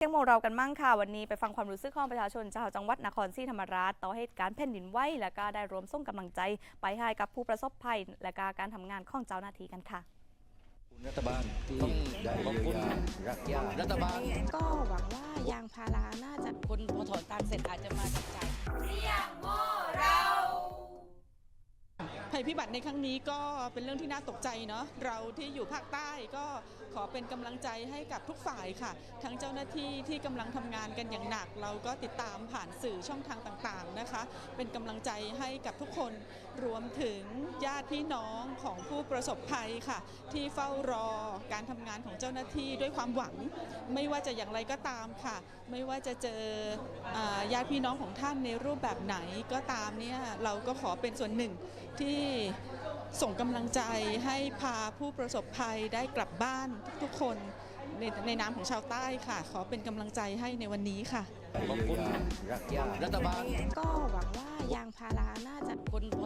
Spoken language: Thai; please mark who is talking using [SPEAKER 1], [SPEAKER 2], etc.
[SPEAKER 1] รื่องของเรากันมั่งค่ะวันนี้ไปฟังความรู้สึกของประชาชนชาวจังหวัดนครศรีธรรมราชต่อเหตุการณ์แผ่นดินไหวและก็ได้รวมส่งกำลังใจไปให้กับผู้ประสบภัยและการทำงานของเจ้าหน้าที่กันค่ะ
[SPEAKER 2] รัฐบาลที่ได้เยียวยารักษารัฐบาล
[SPEAKER 3] ก็หวังว่ายางพาราน่าจะ
[SPEAKER 4] คนพอถอนตังค์เสร็จอาจจะมาจับจ่าย
[SPEAKER 5] ภัยพิบัติในครั้งนี้ก็เป็นเรื่องที่น่าตกใจเนาะเราที่อยู่ภาคใต้ก็ขอเป็นกำลังใจให้กับทุกฝ่ายค่ะทั้งเจ้าหน้าที่ที่กำลังทำงานกันอย่างหนักเราก็ติดตามผ่านสื่อช่องทางต่างๆนะคะเป็นกำลังใจให้กับทุกคนรวมถึงญาติพี่น้องของผู้ประสบภัยค่ะที่เฝ้ารอการทำงานของเจ้าหน้าที่ด้วยความหวังไม่ว่าจะอย่างไรก็ตามค่ะไม่ว่าจะเจอญาติพี่น้องของท่านในรูปแบบไหนก็ตามเนี่ยเราก็ขอเป็นส่วนหนึ่งที่ส่งกำลังใจให้พาผู้ประสบภัยได้กลับบ้านทุกๆคนในนามของชาวใต้ค่ะขอเป็นกำลังใจให้ในวันนี้ค่ะ
[SPEAKER 2] เยียวยารักษารัฐบาล
[SPEAKER 3] ก็หวังว่ายางพาราน่าจะ
[SPEAKER 4] คนพ